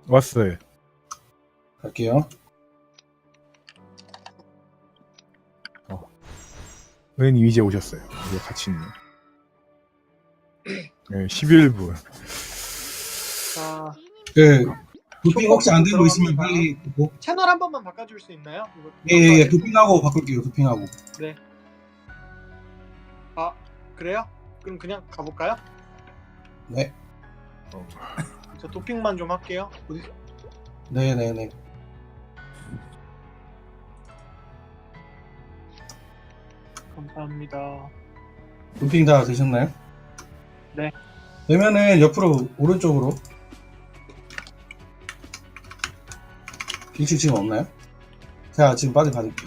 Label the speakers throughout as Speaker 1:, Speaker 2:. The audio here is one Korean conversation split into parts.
Speaker 1: 왔어요.
Speaker 2: 갈게요.
Speaker 1: 은님 이제 오셨어요. 이제 같이 있네. 네, 11분.
Speaker 3: 자,
Speaker 2: 그 도핑 혹시 안 되는 거
Speaker 3: 들어갑니다.
Speaker 2: 있으면 빨리 뭐?
Speaker 3: 채널 한 번만 바꿔줄 수 있나요? 이거
Speaker 2: 예예예 도핑하고 바꿀게요. 도핑하고.
Speaker 3: 네. 아, 그래요? 그럼 그냥 가볼까요?
Speaker 2: 네.
Speaker 3: 저 도핑만 좀 할게요. 어디?
Speaker 2: 네네네.
Speaker 3: 감사합니다.
Speaker 2: 도핑 다 되셨나요?
Speaker 3: 네.
Speaker 2: 되면은 옆으로 오른쪽으로. 길쭉 지금 없나요? 제가 지금 빠져 받을게요.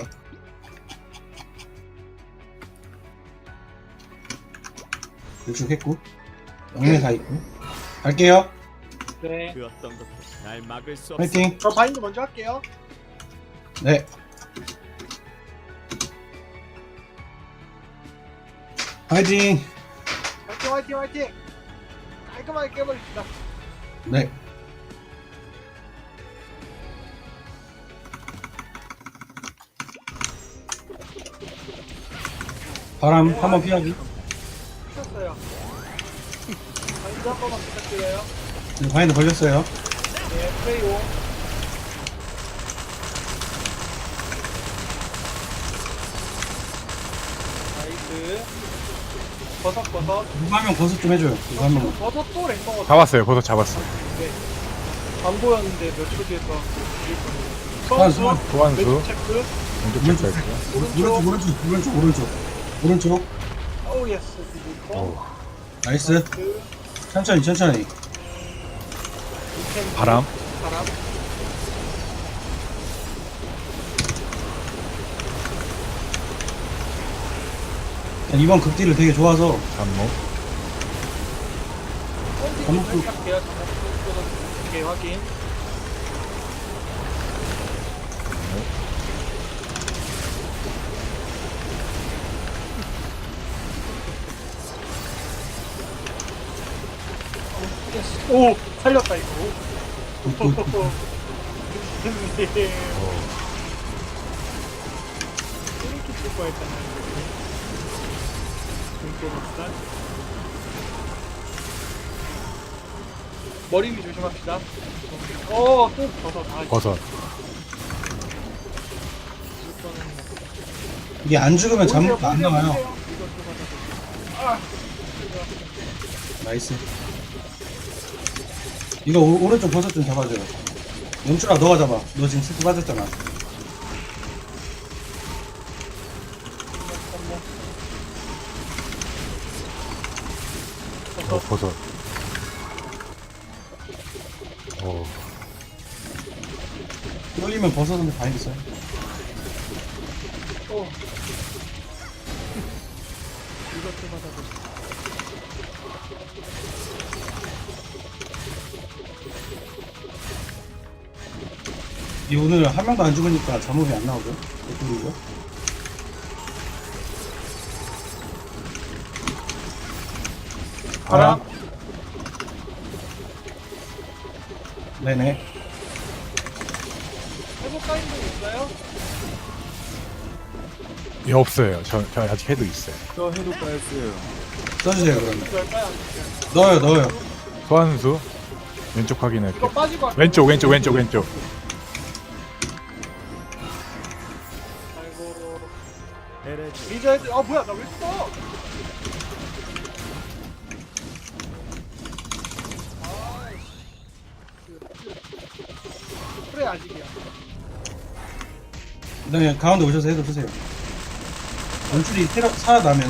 Speaker 2: 길쭉 했고 영매 다 있고 갈게요.
Speaker 3: 네.
Speaker 4: 그 어떤 것도 날 막을 수 없어.
Speaker 2: 화이팅.
Speaker 3: 저 바인드 먼저 할게요.
Speaker 2: 네. 화이팅.
Speaker 3: 화이팅, 화이팅, 화이팅! 깔끔하게 깨버립시다.
Speaker 2: 네. 바람 한번 피하기.
Speaker 3: 쳤어요. 바인드 한 번만 부탁드려요.
Speaker 2: 네, 바인드 걸렸어요.
Speaker 3: 네, 플레이오. 나이스. 버섯.
Speaker 2: 누가 한명 버섯 좀 해줘요. 누가 한 명.
Speaker 3: 버섯 또 랭커.
Speaker 1: 잡았어요. 버섯 잡았어.
Speaker 3: 네. 안 보였는데 몇 초 뒤에 또
Speaker 2: 소환수.
Speaker 1: 소환수.
Speaker 3: 왼쪽 체크.
Speaker 1: 왼쪽 체크 할게요.
Speaker 2: 오른쪽.
Speaker 3: 오우 예스.
Speaker 1: 오.
Speaker 2: 나이스. 천천히.
Speaker 1: 바람.
Speaker 2: 이번 극딜을 되게 좋아서
Speaker 1: 잠목.
Speaker 3: 잠목도 할게요. 잠목도 오케이 확인. 오 살렸다 이거. 이렇게 칠 뻔했잖아요. 등골살. 머리 위 조심합시다. 또 버섯. 아,
Speaker 1: 버섯.
Speaker 2: 이게 안 죽으면 잠목도 안 나와요. 나이스. 이거 오른쪽 버섯 좀 잡아줘요. 영출아 너가 잡아. 너 지금 스프 빠졌잖아.
Speaker 1: 버섯. 오.
Speaker 2: 끌리면 버섯은 바인드 써요.
Speaker 3: 이것도 받아보자.
Speaker 2: 이 오늘 한 명도 안 죽으니까 잠목이 안 나오죠. 개꿀이죠.
Speaker 3: 바람.
Speaker 2: 네네.
Speaker 3: 회복 가인 분 있어요?
Speaker 1: 예, 없어요. 저 아직 해도 있어요.
Speaker 4: 저 해도 빠졌어요.
Speaker 2: 써주세요 그러면.
Speaker 3: 될까요? 안 될까요?
Speaker 2: 넣어요.
Speaker 1: 소환수. 왼쪽
Speaker 3: 이거
Speaker 1: 확인할게요.
Speaker 3: 빠지고 할게요.
Speaker 1: 왼쪽.
Speaker 3: 아이고.
Speaker 4: 에레지.
Speaker 3: 리저 헤드. 아 뭐야 나 왜 써? 그래 아직이야.
Speaker 2: 네 가운데 오셔서 해도 드세요. 연출이 살아나면.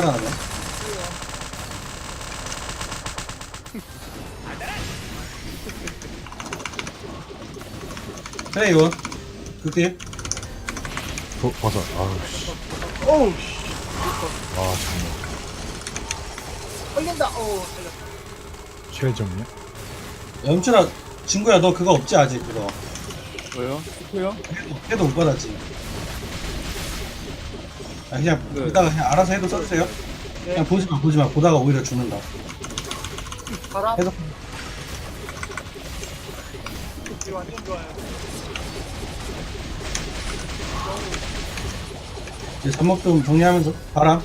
Speaker 2: 그래 이거 극딜.
Speaker 1: 버섯. 아우 씨.
Speaker 3: 오우 씨.
Speaker 1: 아 잠목.
Speaker 3: 걸린다. 오 살렸다.
Speaker 1: 최종이요?
Speaker 2: 연출아 친구야 너 그거 없지 아직 그거.
Speaker 4: 뭐요? 스프요?
Speaker 2: 해도 못 받았지. 아 그냥
Speaker 4: 네.
Speaker 2: 이따가 그냥 알아서 해도 써주세요.
Speaker 3: 네.
Speaker 2: 그냥 보지 마. 보다가 오히려 죽는다.
Speaker 3: 바람.
Speaker 2: 해서
Speaker 3: 이거 완전 좋아요.
Speaker 2: 이제 잠목 좀 정리하면서 바람.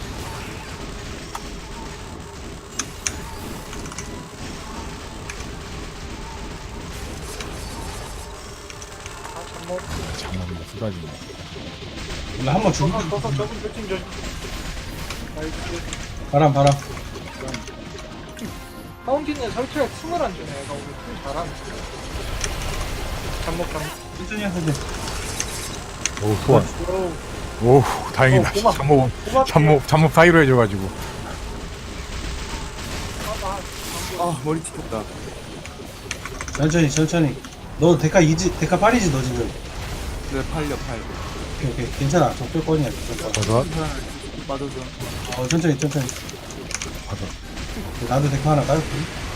Speaker 3: 아, 잠못.
Speaker 1: 잠깐만 쏟아지네.
Speaker 2: 원래 한번 죽을 때
Speaker 3: 저거 조심 조심. 나이스.
Speaker 2: 바람.
Speaker 3: 파운틴에 설치할 틈을 안 주네. 얘가 오늘 틈 잘하네. 잠못.
Speaker 2: 천천히 하세요. 돼.
Speaker 1: 오 소환.
Speaker 3: 오.
Speaker 1: 오 다행이다.
Speaker 3: 고마워.
Speaker 1: 잠목 사이로 해줘가지고.
Speaker 4: 아 머리 찍혔다.
Speaker 2: 천천히. 너 데카 8이지 너 지금.
Speaker 4: 네 팔려.
Speaker 2: 오케이. 괜찮아. 적절권이야. 적절권.
Speaker 1: 버섯.
Speaker 4: 빠져서.
Speaker 2: 천천히.
Speaker 1: 버섯.
Speaker 2: 나도 데카 하나 깔을게.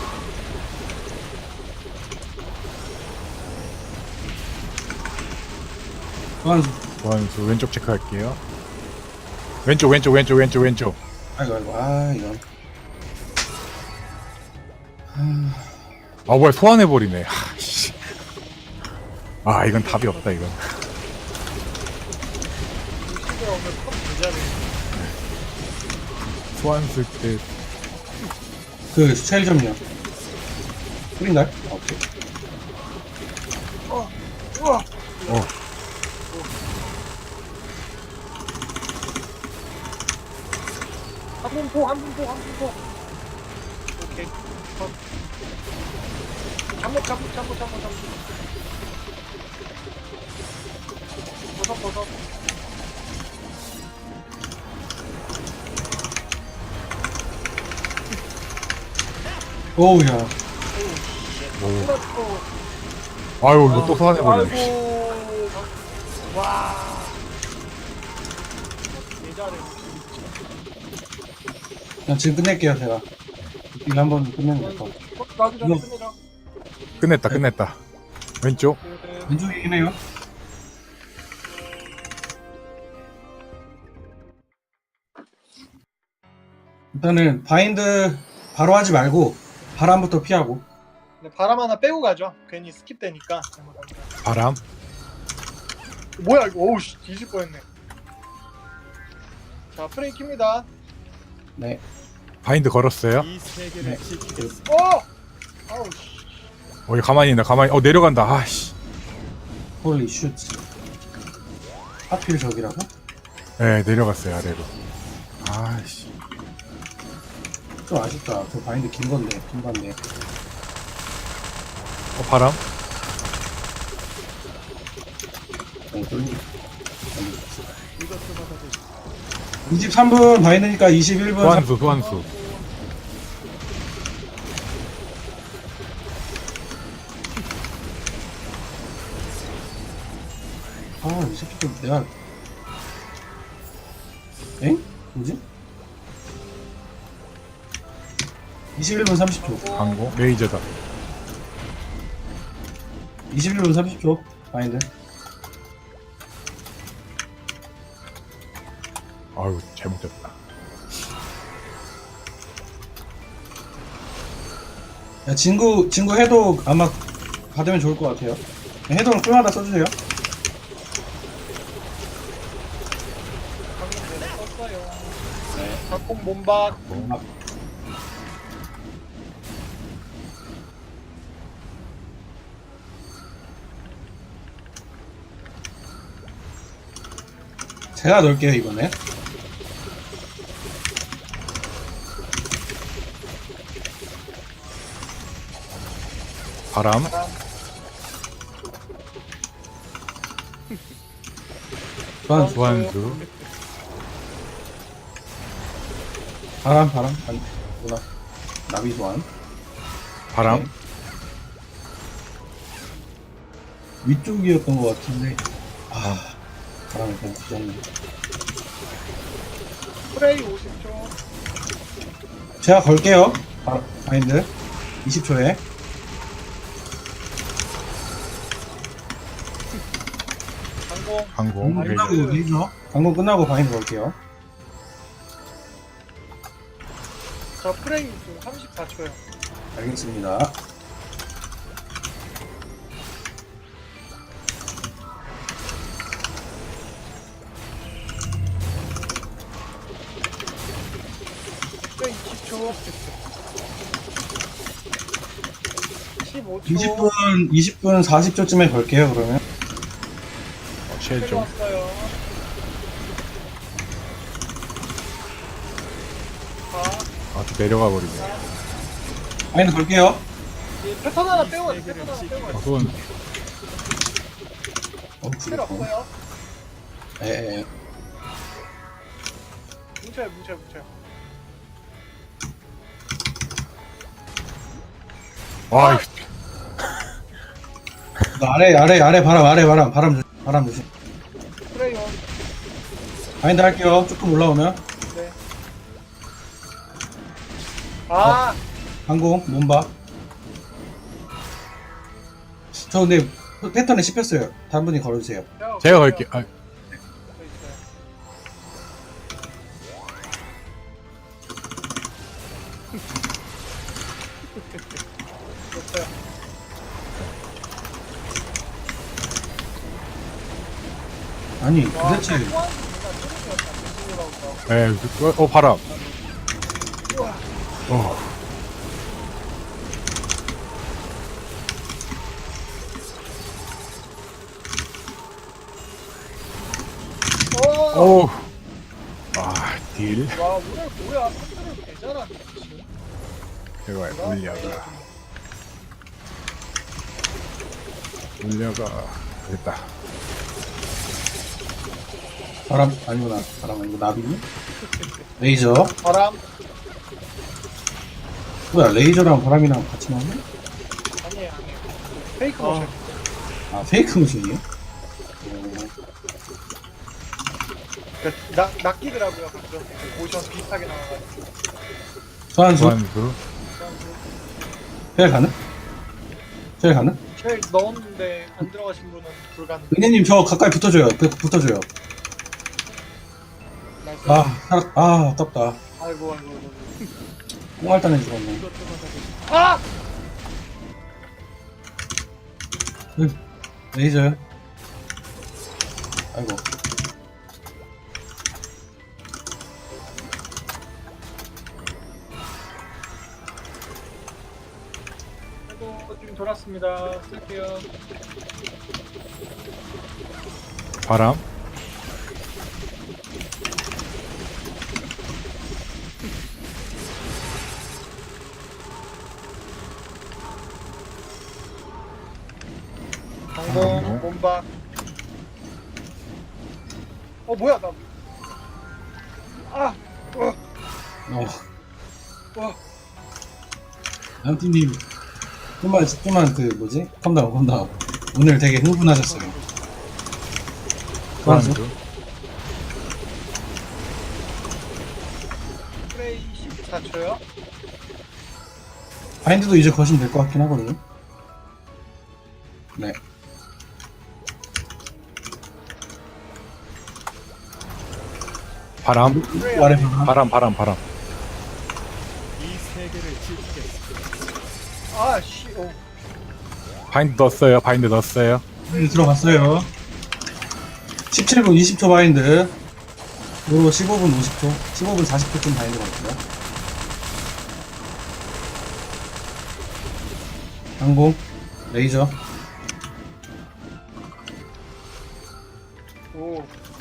Speaker 2: 소환수.
Speaker 1: 소환수 왼쪽 체크할게요. 왼쪽.
Speaker 2: 아이고. 이건.
Speaker 1: 아 뭐야 소환해버리네. 씨. 아 이건 답이 없다 이건.
Speaker 3: 시대 오늘 컵 부자네.
Speaker 1: 소환 쓸 때
Speaker 2: 그 스타일 점요. 뿌린다? 오케이.
Speaker 3: 우와. 한 분포. 오케이. 잠못. 버섯.
Speaker 2: 오우야.
Speaker 1: 아유 이거 또 소환해버리네.
Speaker 3: 아이고. 와. 개잘해.
Speaker 2: 그냥 지금 끝낼게요, 제가. 일 한번 끝내면 될 것 같아.
Speaker 3: 나도 잘 끝내자.
Speaker 1: 끝냈다. 왼쪽.
Speaker 2: 왼쪽이긴 해요. 일단은 바인드 바로 하지 말고 바람부터 피하고.
Speaker 3: 네, 바람 하나 빼고 가죠. 괜히 스킵되니까.
Speaker 1: 바람.
Speaker 3: 뭐야 이거? 오우 씨, 뒤질 뻔했네. 자 프레이 킵니다.
Speaker 2: 네.
Speaker 1: 바인드 걸었어요.
Speaker 4: 이 세계를
Speaker 2: 네.
Speaker 4: 지키겠습니다.
Speaker 3: 아우 씨.
Speaker 1: 이거 가만히 있나 내려간다. 아씨.
Speaker 2: 홀리 슛. 하필 저기라고?
Speaker 1: 네 내려갔어요 아래로. 아씨.
Speaker 2: 좀 아쉽다. 저 바인드 긴 건데.
Speaker 1: 바람.
Speaker 2: 너무 쫄리. 23분 바인드니까 21분.
Speaker 1: 소환수.
Speaker 2: 이 새끼 좀 내가. 엥? 뭐지? 21분 30초.
Speaker 1: 광고. 레이저다.
Speaker 2: 21분 30초. 바인드.
Speaker 1: 아유 잘못 됐다.
Speaker 2: 야, 진구 해도 아마 받으면 좋을 것 같아요. 해도는 꿀마다 써주세요.
Speaker 3: 방금 내가 썼어요. 네. 각공 몸박.
Speaker 2: 제가 넣을게요 이번에.
Speaker 1: 바람. 소환수.
Speaker 2: 바람. 아니, 뭐나. 나비 소환.
Speaker 1: 바람.
Speaker 2: 네. 위쪽이었던 것 같은데. 바람이 그냥 뒤졌네.
Speaker 3: 프레이 50초.
Speaker 2: 제가 걸게요. 바인드. 20초에.
Speaker 3: 항공.
Speaker 1: 항공. 레이저.
Speaker 2: 끝나고 레이저. 방금 끝나고 바인드 걸게요.
Speaker 3: 자 프레이 지금 34초요.
Speaker 2: 알겠습니다.
Speaker 3: 10초. 15초.
Speaker 2: 20분 40초쯤에 걸게요 그러면.
Speaker 1: 쉘 좀.
Speaker 3: 왔어요. 4.
Speaker 1: 아, 또 내려가 버리네.
Speaker 2: 바인드 걸게요.
Speaker 3: 패턴 하나 빼고 가자. 패턴 하나 빼고
Speaker 1: 아,
Speaker 3: 가자.
Speaker 1: 그건
Speaker 3: 필요 없어요.
Speaker 2: 예.
Speaker 3: 뭉쳐요, 뭉쳐요.
Speaker 1: 와, 이
Speaker 2: 아래 바람 조심.
Speaker 3: 그래요.
Speaker 2: 바인드 할게요. 조금 올라오면.
Speaker 3: 네. 아,
Speaker 2: 항공 몸박. 저 근데 패턴에 씹혔어요. 다른 분이 걸어주세요.
Speaker 1: 제가 걸게요. 아,
Speaker 2: 아니 도대체
Speaker 1: 바람. 어, 오. 아, 딜.
Speaker 3: 와, 오늘 뭐야? 컨트롤 개잘하네.
Speaker 1: 제가 물려가 됐다.
Speaker 2: 바람 아니구나. 바람 아니고 나비. 레이저.
Speaker 3: 바람.
Speaker 2: 뭐야 레이저랑 바람이랑 같이 나오네?
Speaker 3: 아니에요. 페이크 모션.
Speaker 2: 아 페이크 모션이에요?
Speaker 3: 그러니까 낚이더라고요. 가끔 모션 비슷하게 나와가지고.
Speaker 2: 소환수.
Speaker 1: 소환수.
Speaker 2: 쉘 가능? 쉘 가능?
Speaker 3: 쉘 넣었는데 안 들어가신 분은 불가능.
Speaker 2: 은혜님 저 가까이 붙어줘요. 붙어줘요.
Speaker 3: 나이스.
Speaker 2: 아깝다.
Speaker 3: 아이고.
Speaker 2: 꽁알단에 죽었네.
Speaker 3: 아!
Speaker 2: 레이저요? 아이고.
Speaker 3: 아이고, 지금 돌았습니다. 쓸게요.
Speaker 1: 바람.
Speaker 3: 방공, 몸박. 뭐야, 나. 아! 와.
Speaker 2: 양팀님 좀만 그 뭐지? 컴다운. 오늘 되게 흥분하셨어요. 소환수.
Speaker 1: 소환수.
Speaker 3: 프레이 14초요.
Speaker 2: 바인드도 이제 거시면 될 것 같긴 하거든요. 네.
Speaker 1: 바람.
Speaker 2: 아래 바람.
Speaker 1: 바람.
Speaker 3: 아, 씨, 오.
Speaker 1: 바인드 넣었어요.
Speaker 2: 네, 들어갔어요. 17분 20초 바인드. 그리고 15분 50초, 15분 40초쯤 바인드 갈게요. 항공, 레이저.
Speaker 3: 오.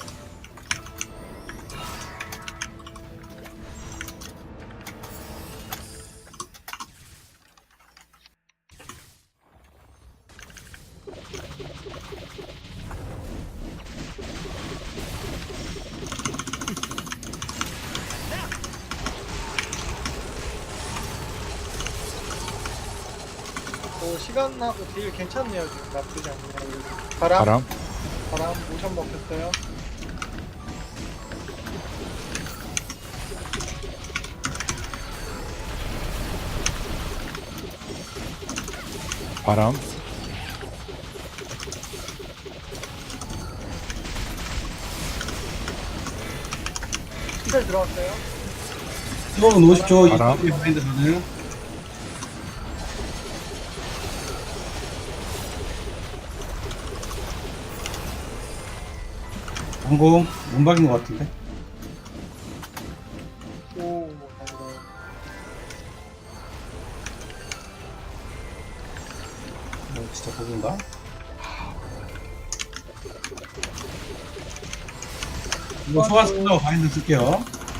Speaker 3: 시간하고 딜 괜찮네요. 지금 나쁘지 않네요. 바람 모션 먹혔어요.
Speaker 1: 바람.
Speaker 3: 스펠 들어왔어요.
Speaker 2: 15분 50초,
Speaker 1: 바람.
Speaker 2: 20초 바인드 가능. 항공, 몸박인 것 같은데?
Speaker 3: 오,
Speaker 2: 진짜 버그인가? 이거 소환 끝나고 바인드 쓸게요.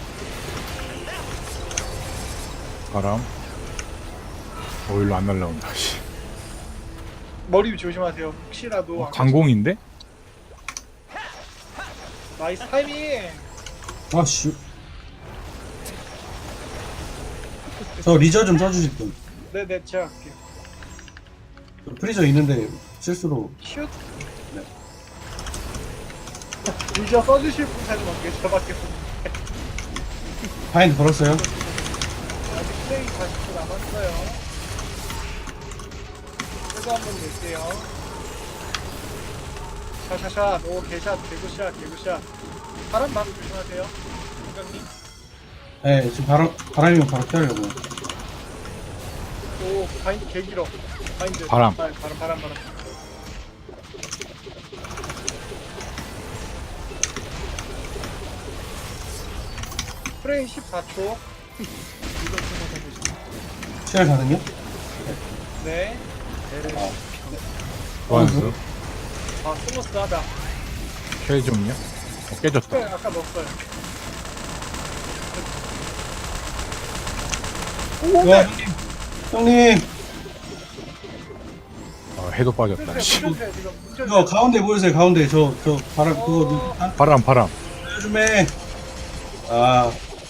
Speaker 1: 바람. 일로 안 날라온다. 씨.
Speaker 3: 머리 위 조심하세요. 혹시라도.
Speaker 1: 강공인데?
Speaker 3: 나이스 타이밍.
Speaker 2: 아씨. 저 리저 좀 써주실 분.
Speaker 3: 네네, 제가 할게요.
Speaker 2: 저 프리저 있는데 실수로.
Speaker 3: 슛.
Speaker 2: 네.
Speaker 3: 리저 써주실 분 사진 어떻게 저밖에 없는데.
Speaker 2: 바인드 걸었어요.
Speaker 3: 아직 플레이 40초 남았어요. 그래도 한번 낼게요. 샤샤샷. 오, 개샷. 개구샷. 개구샷. 바람 바로 조심하세요. 국장님.
Speaker 2: 네, 지금 바람이면 바로 피하려고.
Speaker 3: 오, 바인드 개 길어. 바인드.
Speaker 1: 바람.
Speaker 3: 아, 바람. 프레임 14초.
Speaker 2: 시간 가능요?
Speaker 3: 네.
Speaker 1: 소환수.
Speaker 3: 아, 스무스하다.
Speaker 1: 쉘 좀요. 깨졌다.
Speaker 3: 그래, 아까 넣었어요. 오,
Speaker 2: 와,
Speaker 3: 네.
Speaker 2: 형님.
Speaker 1: 해도 빠졌다.
Speaker 3: 문제세요,
Speaker 1: 씨.
Speaker 3: 문제세요, 지금. 문제세요.
Speaker 2: 이거 가운데 보여주세요, 가운데. 저 바람, 그거 좀,
Speaker 1: 바람.
Speaker 2: 요즘에. 아,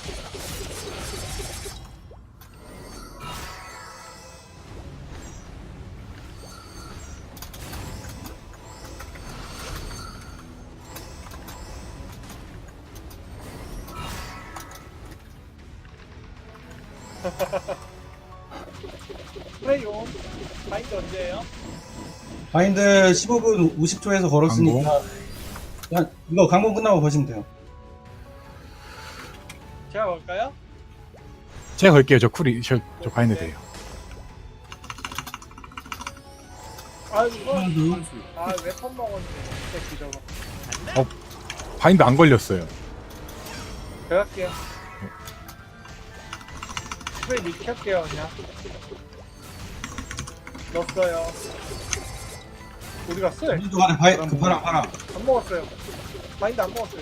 Speaker 3: 프레이 온. 바인드 언제예요?
Speaker 2: 바인드 15분 50초에서 걸었으니까. 그냥 이거 강공 끝나고 보시면 돼요.
Speaker 3: 제가 걸까요?
Speaker 1: 제가 걸게요. 저 저 바인드 돼요.
Speaker 3: 아이고,
Speaker 2: 음.
Speaker 3: 아, 웨폰 먹었네. 새끼 저거.
Speaker 1: 바인드 안 걸렸어요.
Speaker 3: 제가 할게요. 프레이 미킬게요, 그냥. 넣었어요. 어디 갔어요?
Speaker 2: 우리도 간에 그 바람.
Speaker 3: 안 먹었어요. 바인드 안 먹었어요.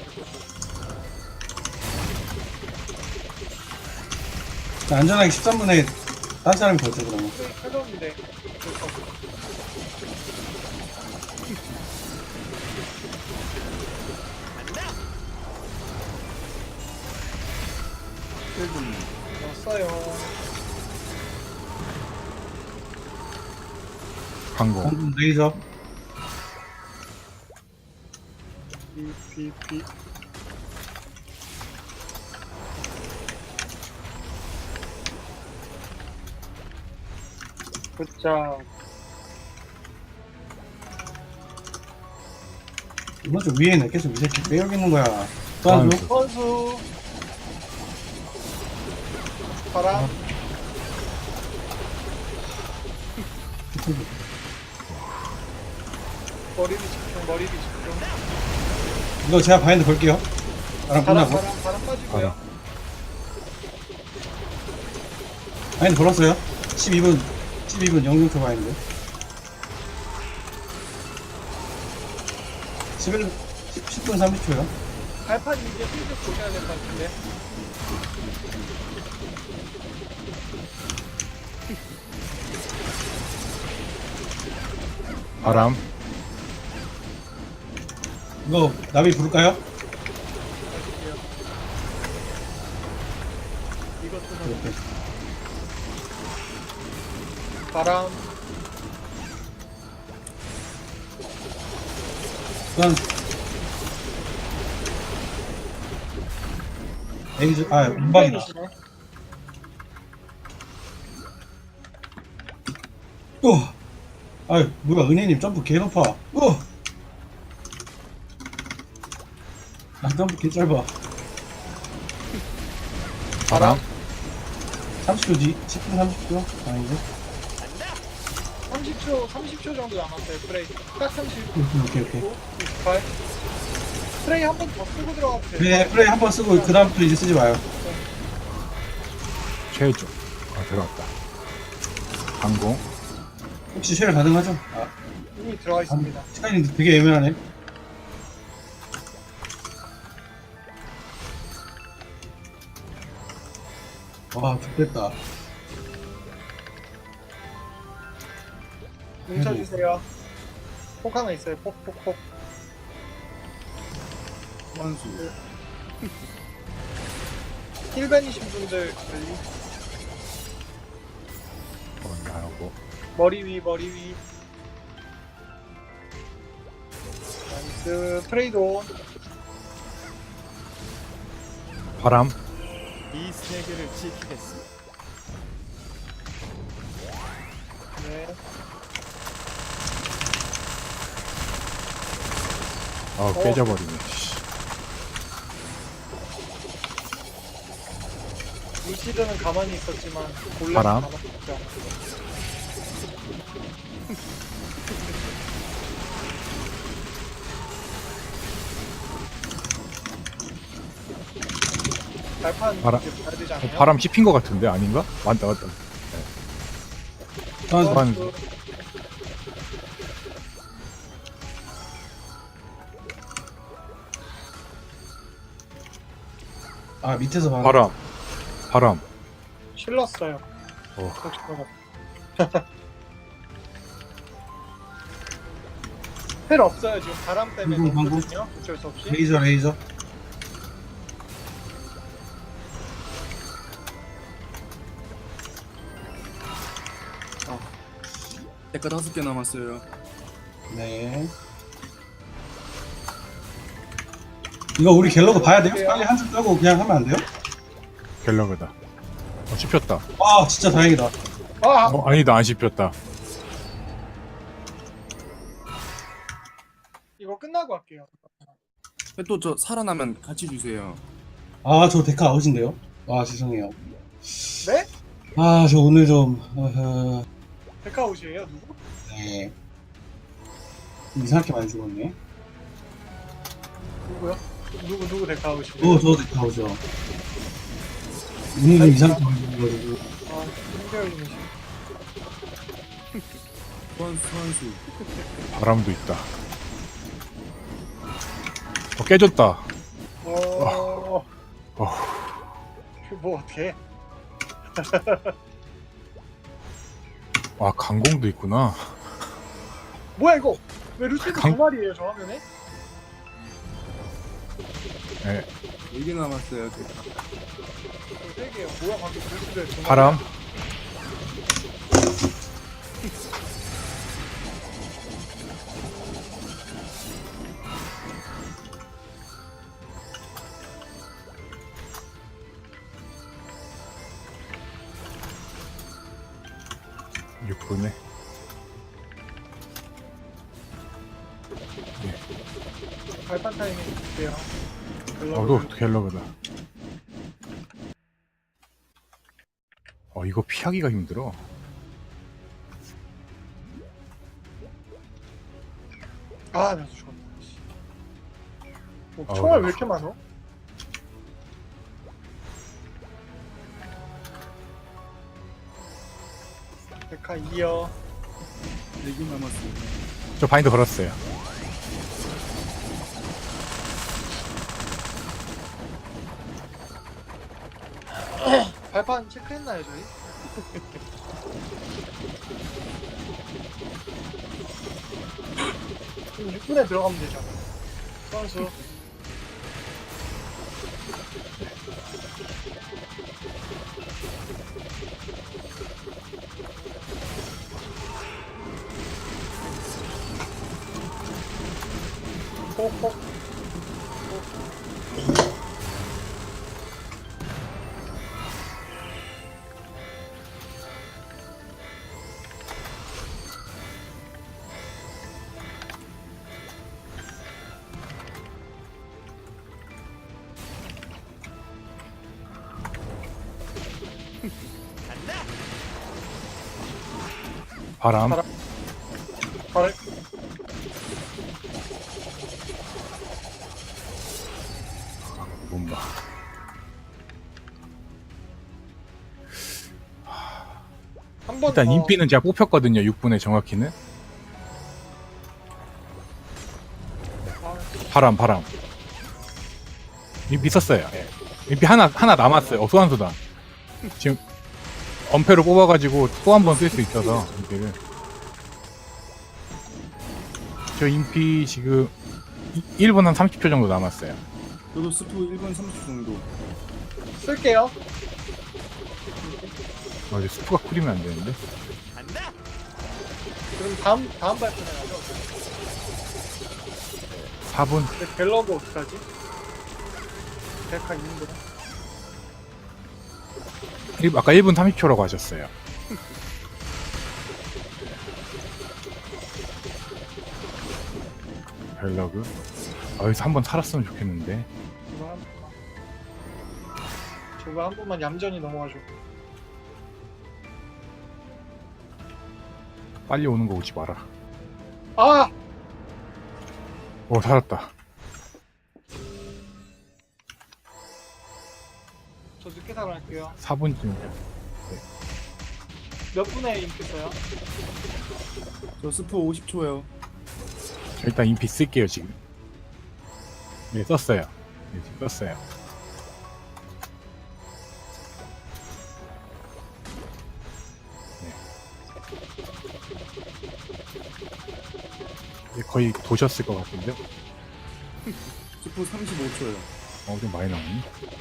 Speaker 2: 자, 안전하게 13분에 딴 사람이 걸죠, 그러면.
Speaker 3: 프레이 켜졌는데. 넣었어요.
Speaker 1: 강공.
Speaker 2: 강공 레이저.
Speaker 3: 비. 굿자.
Speaker 2: 이번 주 위에 있네. 계속 이 새끼 빼여기 있는 거야. 소환수.
Speaker 1: 소환수.
Speaker 3: 선수. 바람. 머리를 집중.
Speaker 2: 이거 제가 바인드 걸게요. 바람 끝나고.
Speaker 3: 바람 빠지고요.
Speaker 2: 바인드 걸었어요. 12분 0초 바인드. 10분 30초요.
Speaker 3: 발판 이제 슬슬 보셔야 될 것 같은데.
Speaker 1: 바람.
Speaker 2: 이거 나비 부를까요?
Speaker 3: 이것도
Speaker 2: 이렇게.
Speaker 3: 바람.
Speaker 2: 그건 에이즈 운방이다. 아유 뭐야 은혜님 점프 개 높아. 나 점프 개 짧아.
Speaker 1: 바람.
Speaker 2: 30초 뒤 10분 30초 아니지?
Speaker 3: 30초 정도 남았어요. 프레이 딱 30.
Speaker 2: 오케이
Speaker 3: 28. 프레이 한 번 더 쓰고 들어가도 돼요.
Speaker 2: 그래 플레이 한 번 쓰고 그 다음부터 이제 쓰지 마요.
Speaker 1: 최종. 들어갔다. 강공.
Speaker 2: 혹시 쉘 가능하죠? 아,
Speaker 3: 이미 들어가 있습니다.
Speaker 2: 시간이 되게 애매하네. 와, 좋겠다.
Speaker 3: 뭉쳐주세요. 폭 하나 있어요. 폭.
Speaker 4: 소환수.
Speaker 3: 힐벤이신 분들 관리.
Speaker 1: 나오고.
Speaker 3: 머리 위. 나이스. 트레이드.
Speaker 1: 바람.
Speaker 5: 이 세계를 지키겠습니다.
Speaker 3: 네.
Speaker 1: 깨져버리네. 씨.
Speaker 3: 루시드는 가만히 있었지만 골렘은
Speaker 1: 바람.
Speaker 3: 가만히 있죠. 발판
Speaker 1: 바람.
Speaker 3: 이제 봐야 되지 않나요?
Speaker 1: 바람 씹힌 것 같은데 아닌가? 맞다.
Speaker 2: 소환수.
Speaker 1: 소환수.
Speaker 2: 아, 밑에서 봐.
Speaker 1: 바람.
Speaker 3: 실렀어요.
Speaker 1: 어.
Speaker 3: 혹시 모르- 헬 없어요 지금 바람 때문에
Speaker 2: 방금.
Speaker 3: 넘거든요. 어쩔 수 없이.
Speaker 2: 레이저.
Speaker 4: 데카 5개 남았어요.
Speaker 2: 네. 이거 우리 갤러그 봐야 돼요? 빨리 한숨 빼고 그냥 하면 안 돼요?
Speaker 1: 갤러그다. 씹혔다.
Speaker 2: 아, 진짜 다행이다.
Speaker 3: 아
Speaker 1: 아니다, 안 씹혔다.
Speaker 3: 이거 끝나고 할게요.
Speaker 4: 또 저 살아나면 같이 주세요.
Speaker 2: 아, 저 데카 아웃인데요? 아, 죄송해요.
Speaker 3: 네?
Speaker 2: 아, 저 오늘 좀,
Speaker 3: 데카웃이에요 누구?
Speaker 2: 네. 이상하게 많이 죽었네.
Speaker 3: 누구요? 누구 데카웃이에요?
Speaker 2: 저 데카 아웃이요. 오늘 좀 이상하게 많이 죽어가지고.
Speaker 3: 아 힘들어지네.
Speaker 4: 소환수.
Speaker 1: 바람도 있다. 깨졌다.
Speaker 3: 어.
Speaker 1: 어.
Speaker 3: 뭐 어떻게?
Speaker 1: 강공도 있구나.
Speaker 3: 뭐야 이거? 왜 루시드
Speaker 1: 강-
Speaker 3: 두 마리예요 저 화면에?
Speaker 1: 네.
Speaker 4: 4개 남았어요. 데카.
Speaker 3: 세 개요. 뭐야 방금 루시드 두 마리?
Speaker 1: 바람. 육분에
Speaker 3: 발판 타이밍 줄게요.
Speaker 1: 또 갤러그다. 이거 피하기가 힘들어.
Speaker 3: 아 나도 죽었다. 씨. 뭐,
Speaker 1: 아우,
Speaker 3: 총알
Speaker 1: 나-
Speaker 3: 왜 이렇게 많어? 데카 2요.
Speaker 4: 4개 남았어요.
Speaker 1: 저 바인드 걸었어요.
Speaker 3: 발판 체크했나요 저희? 지금 6분에 들어가면 되죠. 선수. 폭폭.
Speaker 1: 바람.
Speaker 3: 바람. 바로
Speaker 1: 몸바.
Speaker 3: 한 한번
Speaker 1: 일단 인피는 제가 뽑혔거든요. 6분에 정확히는. 바람. 인피 썼어요. 예. 인피 하나 남았어요. 소환수단. 지금 엄폐로 뽑아가지고 또 한 번 쓸 수 있어서 인피를. 저 인피 지금 1분 한 30초 정도 남았어요.
Speaker 4: 저도 스프 1분 30초 정도.
Speaker 3: 쓸게요.
Speaker 1: 이제 스프가 쿨이면 안 되는데.
Speaker 5: 간다.
Speaker 3: 그럼 다음 발표는 하죠.
Speaker 1: 4분.
Speaker 3: 근데 갤러그 어떡하지? 데카 있는구나.
Speaker 1: 아까 1분 30초라고 하셨어요. 벨러그. 여기서 한 번 살았으면 좋겠는데.
Speaker 3: 제가 한 번만 얌전히 넘어가죠.
Speaker 1: 빨리 오는 거 오지 마라.
Speaker 3: 아!
Speaker 1: 살았다.
Speaker 3: 저 늦게 살아날게요.
Speaker 1: 4분쯤.
Speaker 3: 몇 분에 인겠어요?
Speaker 4: 저 스프 50초요.
Speaker 1: 일단 인피 쓸게요, 지금. 네, 썼어요. 네, 지금 썼어요. 네. 거의 도셨을 것 같은데?
Speaker 4: 스프 35초요.
Speaker 1: 좀 많이 나오네.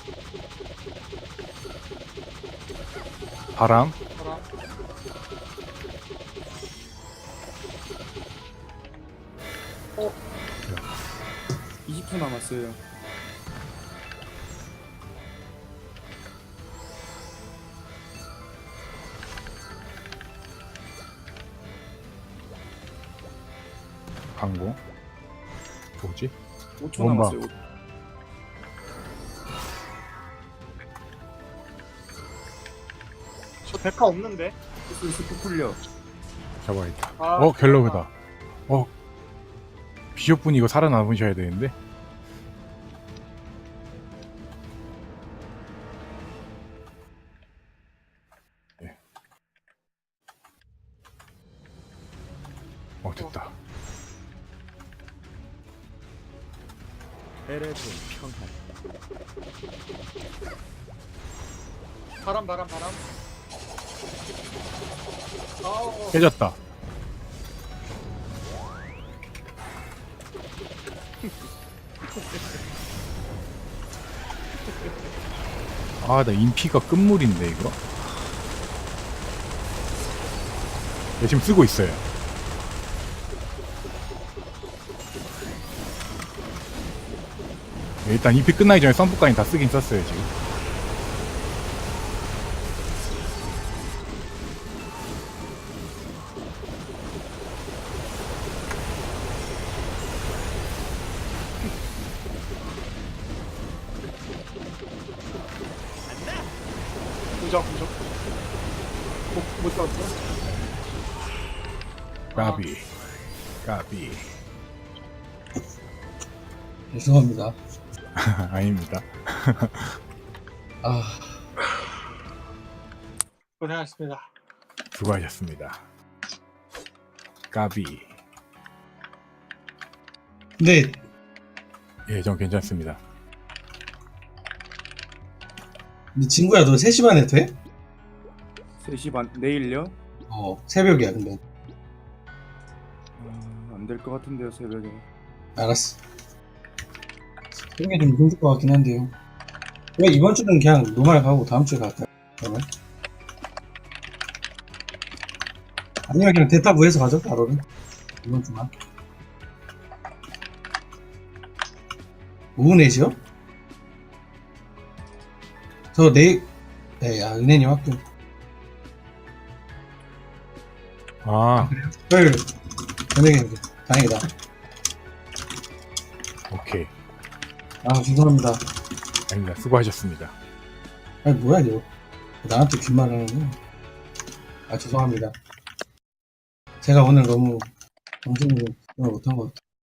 Speaker 1: 바람.
Speaker 3: 바람.
Speaker 4: 20초 남았어요.
Speaker 1: 광고. 뭐지?
Speaker 4: 5초
Speaker 1: 뭔가.
Speaker 4: 남았어요.
Speaker 3: 저 데카 없는데?
Speaker 4: 스프 풀려.
Speaker 1: 잡아야겠다.
Speaker 3: 아,
Speaker 1: 갤러그다. 비숍분이 이거 살아남으셔야 되는데? 네. 됐다.
Speaker 5: 에레본 평화.
Speaker 3: 바람. 아우.
Speaker 1: 깨졌다. 나 인피가 끝물인데, 이거? 네, 지금 쓰고 있어요. 네, 일단 인피 끝나기 전에 썬프까지 다 쓰긴 썼어요, 지금.
Speaker 3: 무적. 못 잡았어?
Speaker 1: 까비.
Speaker 2: 죄송합니다.
Speaker 1: 아닙니다.
Speaker 2: 아,
Speaker 3: 고생하셨습니다.
Speaker 1: 수고하셨습니다. 까비.
Speaker 2: 근데
Speaker 1: 예, 전 괜찮습니다.
Speaker 2: 친구야, 너 3시 반에 돼?
Speaker 4: 3시 반 내일요?
Speaker 2: 새벽이야, 근데.
Speaker 4: 안 될 것 같은데요, 새벽에.
Speaker 2: 알았어. 새벽에 좀 힘들 것 같긴 한데요. 왜 이번 주는 그냥 노말 가고 다음 주에 갈까요? 그러면? 아니면 그냥 대타부에서 가죠, 바로는. 이번 주만. 오후 4시요? 저 내일, 은혜님 학교. 토요일, 저녁에, 다행이다.
Speaker 1: 오케이.
Speaker 2: 죄송합니다.
Speaker 1: 아닙니다. 수고하셨습니다.
Speaker 2: 뭐야, 이거. 나한테 귓말을 하는 죄송합니다. 제가 오늘 너무 정신을 못한 것 같아요.